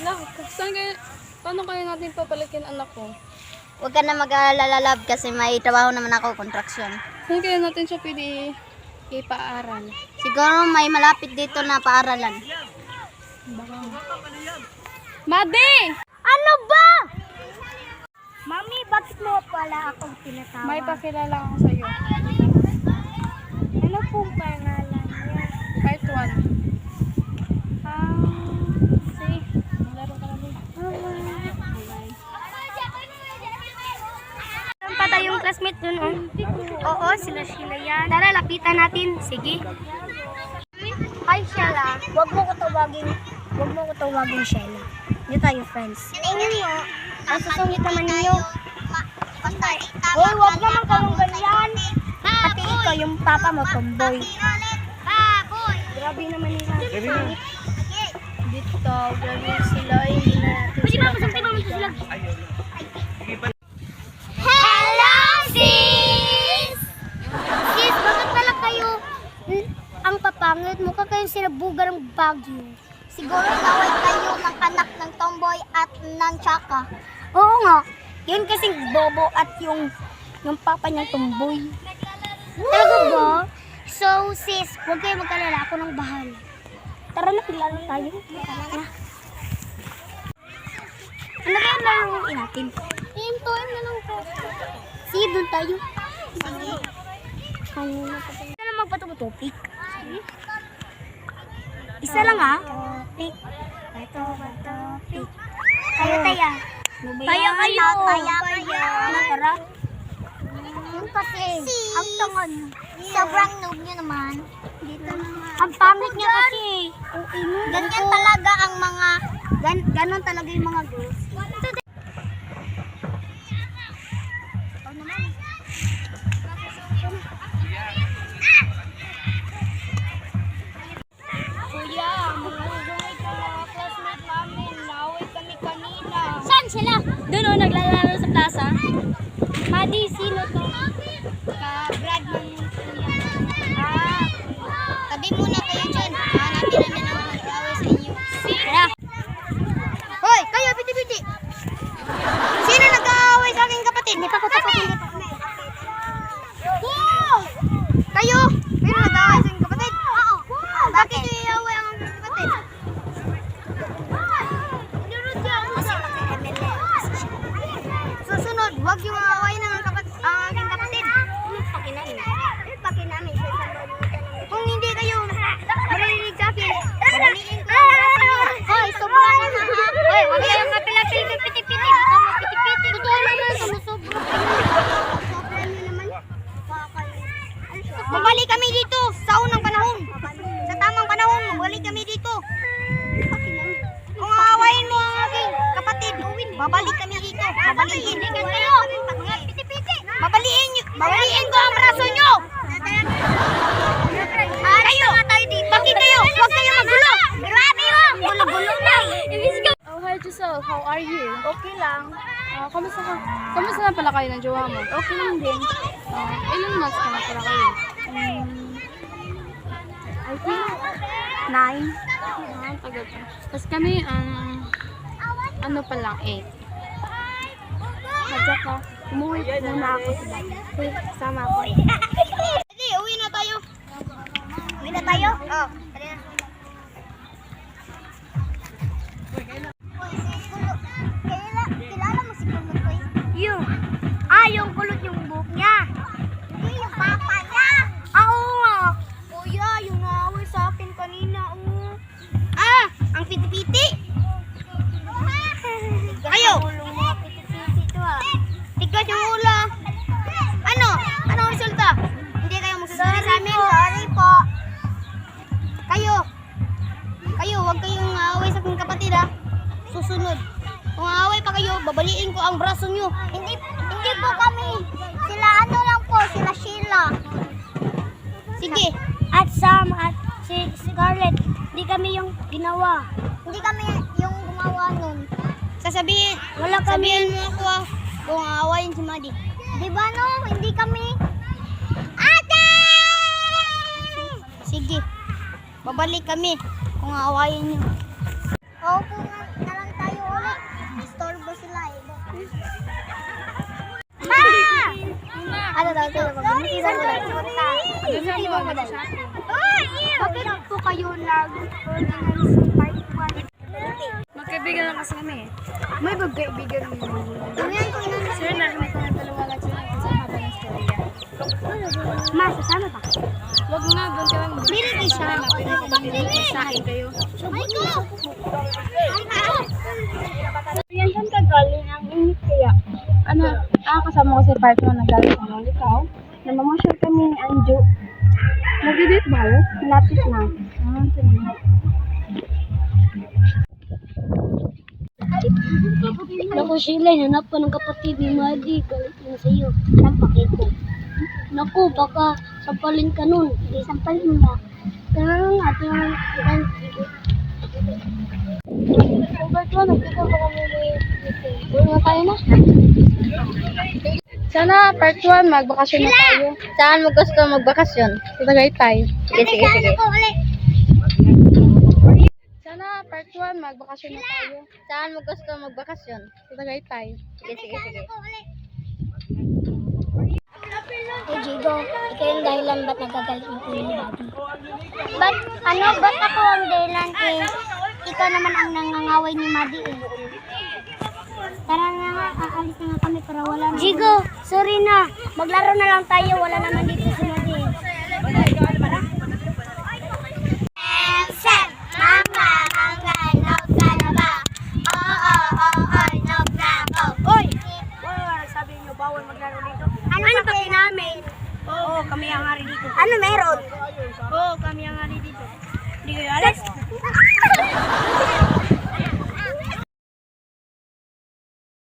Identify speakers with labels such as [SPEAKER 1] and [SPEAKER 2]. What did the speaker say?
[SPEAKER 1] Lang, saan kayo, paano kaya natin papalikin anak ko?
[SPEAKER 2] Huwag ka na mag-aalala, love, kasi may trabaho naman ako, kontraksyon.
[SPEAKER 1] Saan kaya natin siya pwede ipaaral?
[SPEAKER 2] Siguro may malapit dito na paaralan.
[SPEAKER 1] Madi!
[SPEAKER 2] Ano ba? Mami, bakit mo pala akong tinatawag?
[SPEAKER 1] May pakilala ako sa'yo.
[SPEAKER 2] Ano pong pangalan niya?
[SPEAKER 1] Part 1. See? Malaro ka na din.
[SPEAKER 2] Saan pa tayong classmate dun, oh? Oo, sila yan. Tara, lapitan natin. Sige. Hi, Sheila. Huwag mo ko tawagin Sheila. Hindi tayo friends. Ang susungit naman ninyo. Hoy, huwag naman kayong ganyan. Pati ikaw, yung papa mo, tomboy. Grabe naman nila. Dito, grabe sila. Hindi na natin sila. Hello, sis! Sis, bakit pala kayo ang papangit? Mukha kayong sinabugar ng Baguio. Siguro naway kayo ng anak ng tomboy at ng tsaka. Oo nga. Yun kasing bobo at yung papa niyang tomboy. Talaga ba? So, sis, huwag kayo magkalala. Ako ng bahala. Tara na, pilala tayo. Tara. Ano kaya laruin natin? Hintuin na lang po. Sige, doon tayo. Sige. Ano na pa tayo? Isa lang magpatupik. Isa lang ha? Topic. Topic. Tayo tayo. Tayo kayo. Ano, tara? Yung kasi, ang tangan. Sobrang noob nyo naman. Dito naman. Ang pangit niya kasi. Ganyan talaga ang mga, ganon talaga yung mga girls. Kuya, mga classmate namin, naway kami kanina. Saan sila?
[SPEAKER 1] Doon o, naglalaro sa plaza.
[SPEAKER 2] Madi, sino to? Ka-Brad ng kuya. Tabi muna kayo dyan. Hanapin namin ang mag-away sa inyo. Tara. Hoy, kayo, piti-piti. Sino nag-aaway sa aking kapatid? Hindi pa ko tapos. Kayo? Sino nag-aaway sa aking kapatid? Oo. Bakit yung iaway ang aking kapatid? Susunod, huwag yung aaway ng aking kapatid. Pakinamin. Kung hindi kayo marinig sa akin, babaliin ko ang braso nyo. Hoy, sobra naman ha. Hoy, huwag kayong kapilapil ng piti-piti. Baka mo piti-piti. Totoo naman, sumusobra. Sobra nyo naman. Babalik kami dito sa unang panahon. Sa tamang panahon, babalik kami dito. Kung aawayin mo ang aking kapatid, babalik kami dito. Babaliin kayo. Mga piti-piti. Babaliin ko ang braso nyo. Kayo, bakit kayo? Huwag kayo magulo. Grabe mo. Gulo-gulo na.
[SPEAKER 1] Oh, hi Giselle, how are you?
[SPEAKER 2] Okay lang.
[SPEAKER 1] Kamusta ka? Kamusta na pala kayo ng jowa mo?
[SPEAKER 2] Okay lang din.
[SPEAKER 1] Ilang months ka na pala kayo?
[SPEAKER 2] I think 9.
[SPEAKER 1] Tagal pa. Tapos kami, ano pa lang, 8.
[SPEAKER 2] Madya ka. Umuwi muna ako sa bahay. Uy, sama ako. Hindi, uwi na tayo. Uwi na tayo? Oo. Kilala mo si Kulot ko? Yung kulot yung buhok niya. Hindi, yung papa niya. Oo nga. Kuya, yung naaway sa akin kanina. Ang piti-piti. Kayo. Tigas yung ula. Ano? Anong resulta? Hindi kayo magsasabi sa amin? Sorry po. Kayo, huwag kayong aaway sa aking kapatid ha. Susunod. Kung aaway pa kayo, babaliin ko ang braso nyo. Hindi po kami. Sila ano lang po, sila Sheila. Sige. At Sam at si Scarlett, hindi kami yung ginawa. Hindi kami yung gumawa nun. Sabihin mo ako kung aawayin si Madi. Di ba no? Hindi kami. Ate! Sige. Babalik kami kung aawayin nyo. Oo po na lang tayo. Bakit po kayo nag-organize ng part 1?
[SPEAKER 1] Magkaibigan lang kasi kami eh.
[SPEAKER 2] May magkaibigan mo.
[SPEAKER 1] Sir, nakinig ko ng dalawa lang sila sa haba ng storya.
[SPEAKER 2] Ma, sasama pa.
[SPEAKER 1] Huwag nga, doon ka lang.
[SPEAKER 2] Dili kayo siya.
[SPEAKER 1] Sain kayo.
[SPEAKER 2] Yan saan ka galing ang init kaya?
[SPEAKER 1] Ano, kasama ko si partner na galing sa mga ikaw. Namamasyal kami ni Anjo. Nag-date ba yun? Malapit na. Sige.
[SPEAKER 2] Naku, Sheila, hanap pa ng kapatid ni Madi. Galit na sa'yo. Sampakit ko. Naku, baka sampalin ka nun. Hindi, sampalin mo. Pero nga,
[SPEAKER 1] Part 1, nagkita ba kami ni Uy, nga tayo na. Sana part 1, magbakasyon na tayo.
[SPEAKER 2] saan mo gusto magbakasyon?
[SPEAKER 1] Sa Tagaytay.
[SPEAKER 2] Sige.
[SPEAKER 1] Sana part 1, magbakasyon na tayo.
[SPEAKER 2] Saan mo gusto magbakasyon?
[SPEAKER 1] Sa Tagaytay.
[SPEAKER 2] Sige. Hey, Jigo, ikaw yung dahilan ba't nagagalit yung kuya ni Daddy? Ba't ako ang dahilan eh? Ikaw naman ang nangangaway ni Madi eh. Tara na nga, aalis na nga kami para wala na. Jigo, sorry na. Maglaro na lang tayo. Wala naman dito si